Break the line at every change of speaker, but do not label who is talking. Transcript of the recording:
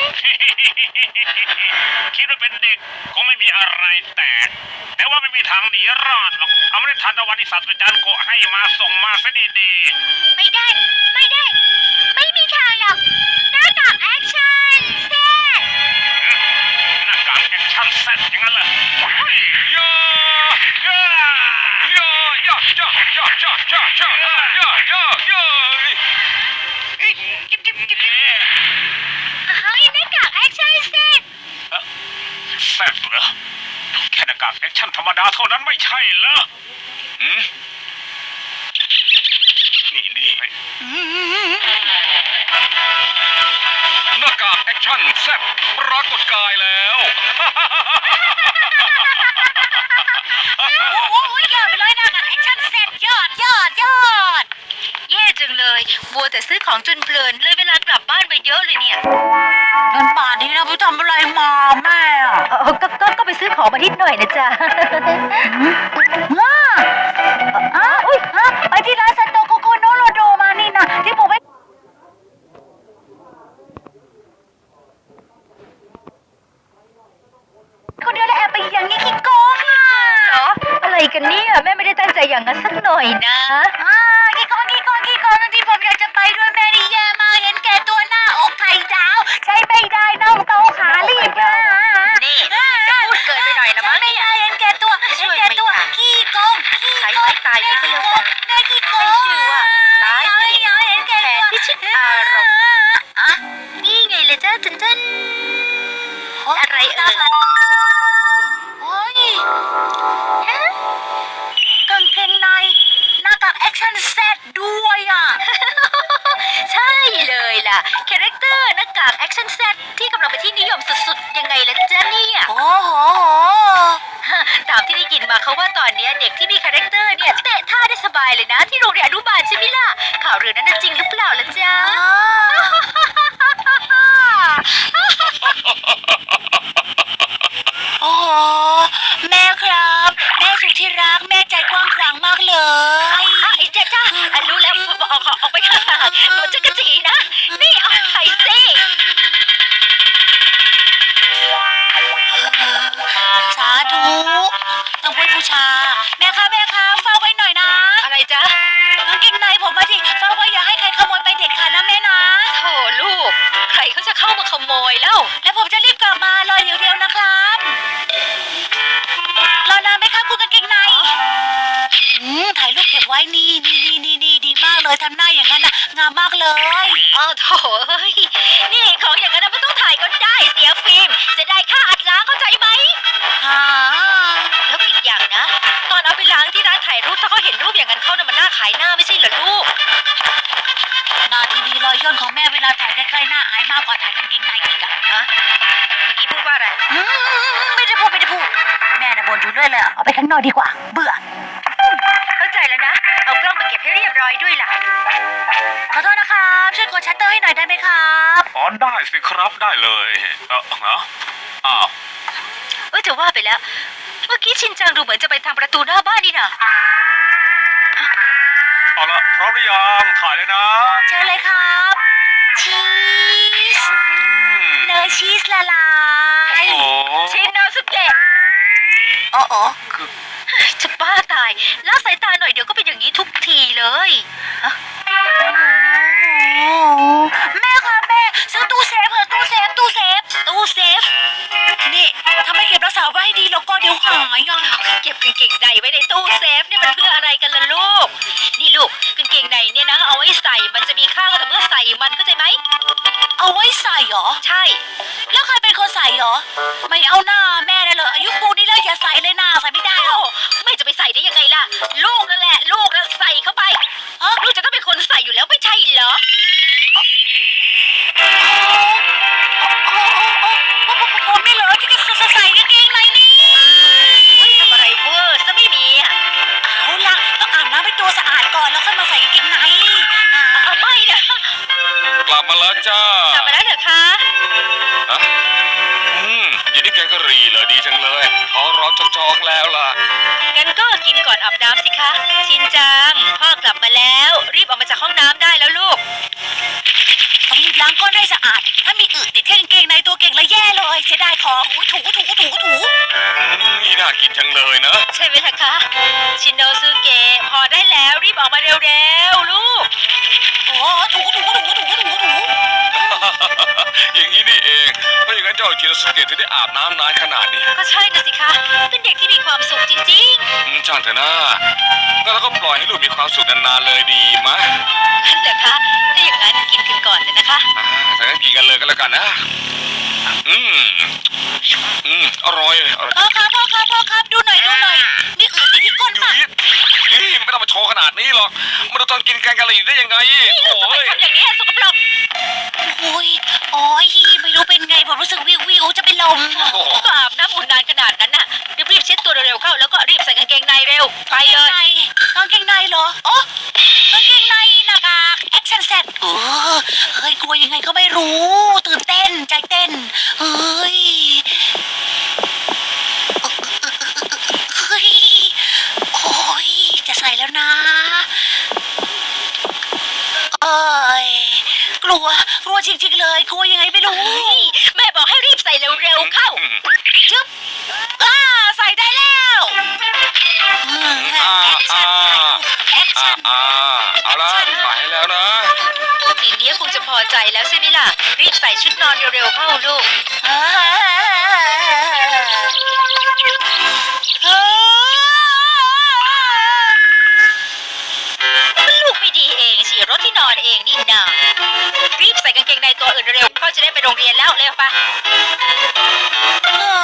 คิดว่าเป็นเด็กคงไม่มีอะไรแต่ว่าไม่มีทางหนีรอดหรอกเอาไม่ได้ทันตะวันที่ศาสตราจารย์โกให้มาส่งมาซะดี
ๆไม่ได้ไม่มีทางหรอกหน้ากากแอคชั่นแซ่
หน้ากากแอคชั่นแซ่อย่างนั้นเหรแซ่เหรอแค่หน้ากากแอคชั่นธรรมดาเท่านั้นไม่ใช่เหรอนี่หน้ากากแอคชั่นแซ่บปรากฏกายแล้ว
โอ้ยยอดไปเลยหน้ากากแอคชั่นแซ่บยอดแย่จังเลยมัวแต่ซื้อของจนเพลินเลยเวลากลับบ้านไปเยอะเลยเนี่ย
งั้นป่านนี้นะไปทำอะไรมาแม่
ก็ไปซื้อของมานิดหน่อยนะจ๊ะ
ไปที่ร้านซันโตโกโกโนโรโดมานี่นะที่ผมไปคนเดียวแล้วแอบไปอย่างนี้ขี้โกง
เหรออะไรกันเนี่ยแม่ไม่ได้ตั้งใจอย่างนั้นสักหน่อยนะ
ขี้โกงที่ผมอยากจะไปด้วยแม่นี่แย่มากเห็นแก่ตัวหน้าอกไข่ดาวใช้ไม่ได้น้องโตขาลีบ
นี่พูดเกินไปหน่อยนะมั้ง
ไม่ได้เห็นแก่ตัวขี้โกง
ใช้ไม้ตายเลยก็แล้วกัน
แม่ขี้โกง
ชื่อว่าตาย
เห็นแก่ตัว
พิชิตอารมณ์นี่ไงเลยจ้าจันอะไร
โอ้ยกางเกงในหน้ากากแอคชั่นแซดด้วย
ใช่เลยล่ะคาแรคเตอร์หน้ากากแอคชั่นแซดที่กำลังเป็นที่นิยมสุดๆยังไงล่ะจ๊ะเนี่ย
โอ้โห
ตามที่ได้ยินมาเขาว่าตอนนี้เด็กที่มีคาแรคเตอร์เนี่ยเตะท่าได้สบายเลยนะที่โรงเรียนอนุบาลใช่ไหมล่ะข่าวเรื่องนั้นจริงหรือเปล่าล่ะจ๊ะ
โอ้แม่ครับแม่สุดที่รักแม่ใจกว้างขวางมากเลย
จ้ารู้แล้วออกไปข้างหลังมันจะกระจีนะนี่เอาไข่ซิ
สาธุต้องพูดบูชาแม่คะเฝ้าไว้หน่อยนะ
อะไรจ๊ะ
กางเกงในผมมาสิเฝ้าไว้อย่าให้ใครขโมยไปเด็ดขาดนะแม่นะ
โธ่ลูกใครเขาจะเข้ามาขโมยแล้ว
ผมจะรีบกลับมารอเดี๋ยวนะครับรอนานไหมครับคุณกางเกงในถ่ายรูปเก็บไว้นี่ดีมากเลยทำหน้าอย่างนั้นนะงามมากเลย
โถ่นี่ของอย่างนั้นไม่ต้องถ่ายก็ได้เสียฟิล์มจะได้ค่าอัดล้างเข้าใจไหมแล้วก็อีกอย่างนะตอนเอาไปล้างที่ร้านถ่ายรูปถ้าเขาเห็นรูปอย่างนั้นเขาเนี่ยมันน่าขายหน้าไม่ใช่เหรอลูก
หน้าที่ดีรอยย่นของแม่เวลาถ่ายใกล้ๆหน้าอายมากกว่าถ่ายกางเกงในอีก
เมื่อกี้พูดว่าอะไร
ไม่ได้พูดแม่น่ะบ่นอยู่เรื่อยเลยเอาไปข้างนอกดีกว่าเบื่อ
เข้าใจแล้วนะเอากล้องไปเก็บให้เรียบร้อยด้วยล่ะ
ขอโทษนะครับช่วยกดชัตเตอร์ให้หน่อยได้ไหมครับ
ได้สิครับได้เลย
จะว่าไปแล้วเมื่อกี้ชินจังดูเหมือนจะไปทางประตูหน้าบ้านนี่นะ
เอาละพร้อมหรือยังถ่ายเลยนะ
เชิญเลยครับชีสเนยชีสละลาย
ชินโนสุเกะจะบ้าตายละสายตาหน่อยเดี๋ยวก็เป็นอย่างนี้ทุกทีเลย
แม่ครับแม่ซื้อตู้เซฟเถอะตู้เซฟนี่ทำไมเก็บรักษาไว้ให้ดีแล้วก็เดี๋ยวหาย
เก็บกางเกงในไว้ในตู้เซฟเนี่ยมันเพื่ออะไรกันล่ะลูกนี่ลูกกางเกงในเนี่ยนะเอาไว้ใส่มันจะมีค่าก็แต่เมื่อใส่มันเข้าใจไหม
เอาไว้ใส่เหรอ
ใช่
แล้วใครเป็นคนใส่เหรอไม่เอาหน้าแม่ได้เลยอายุปูนี้แล้วอย่าใส่เลยหน้าใส่ไม่ได้หรอ
ไม่จะไปใส่ได้ยังไงล่ะลูกนั่นแหละลูกนั่นใส่เข้าไปลูกจะต้องเป็นคนใส่อยู่แล้วไม่ใช่เหรอ
ผมไม่เหรอที่จะใส่กางเกงในนี่
ทำอะไรเวอร์จะไม่มี
เอาล่ะต้องอาบน้ำให้ตัวสะอาดก่อนแล้วค่อยมาใส่กางเกงใน
ไม่นะ
กลับมาแล้วจ้าก
ลับมาแล้วเหรอคะ
ยินดีแกงกะหรี่เลยดีจังเลยท้องร้องจอกแล้วล่ะ
งั้นก็กินก่อนอาบน้ำสิคะชินจังพ่อกลับมาแล้วรีบออกมาจากห้องน้ำได้แล้วลูก
ต้องรีบล้างก้นให้สะอาด ถ้ามีอึติดที่กางเกงในตัวเก่งละแย่เลยเสียดายของถูถู
นี่น่ากินจังเลยนะ
ใช่ไหมล่ะคะ ชินโนสุเกะพอได้แล้วรีบออกมาเร็วๆลูก
โอ้ถู
อย่างนี้นี่เองเพราะอย่างนั้นเจ้าชินสุเกะถึงได้อาบน้ำนานขนาดนี้
ก็ใช่นะสิคะ เป็นเด็กที่มีความสุขจริง
ช่างเถอะนะงั้นเราก็ปล่อยให้ลูกมีความสุขนานๆเลยดีมะ
ๆนั่นเหรอคะถ้าอย่างนั้นกินกันก่อนเลยนะคะ
ถ้างั้นกินกันเลยก็แล้วกันนะอร่อย
พ่อครับดูหน่อยมีอึติดที่ก้นปะ
นี่ไม่ต้องมาโชว์ขนาดนี้หรอกมันตอนกินแกงกะหรี่ได้ยังไงโอ้ย
ทำอย่างนี้สกปรก
โอ้ยไม่รู้เป็นไงผมรู้สึกวิวจะเป็นลม
ก็อาบน้ำอุ่นนานขนาดนั้นน่ะรีบเช็ดตัวเร็วๆเข้าแล้วก็รีบใส่กางเกงในเร็วไปเลย
กางเกงในเหรออ๋อกางเกงในหน้ากากแอคชั่นแซดเฮ้ยกลัวยังไงก็ไม่รู้ตื่นเต้นใจเต้นเฮ้ยโอ้ยจะใส่แล้วนะเอ้ยกลัวจริงๆเลยกลัวยังไงไม่รู้
แม่บอกให้รีบใส่เร็วๆเข้า
จึ๊บใส่ได้แล้วแอคชั่น
เอาละไปแล้วนะ
ทีนี้คงจะพอใจแล้วใช่ไหมล่ะ รีบใส่ชุดนอนเร็วๆเข้าลูกลูกไม่ดีเองสิรถที่นอนเองนี่นารีบใส่กางเกงในตัวอื่นเร็วๆเขาจะได้ไปโรงเรียนแล้วเร็วปะ
เออ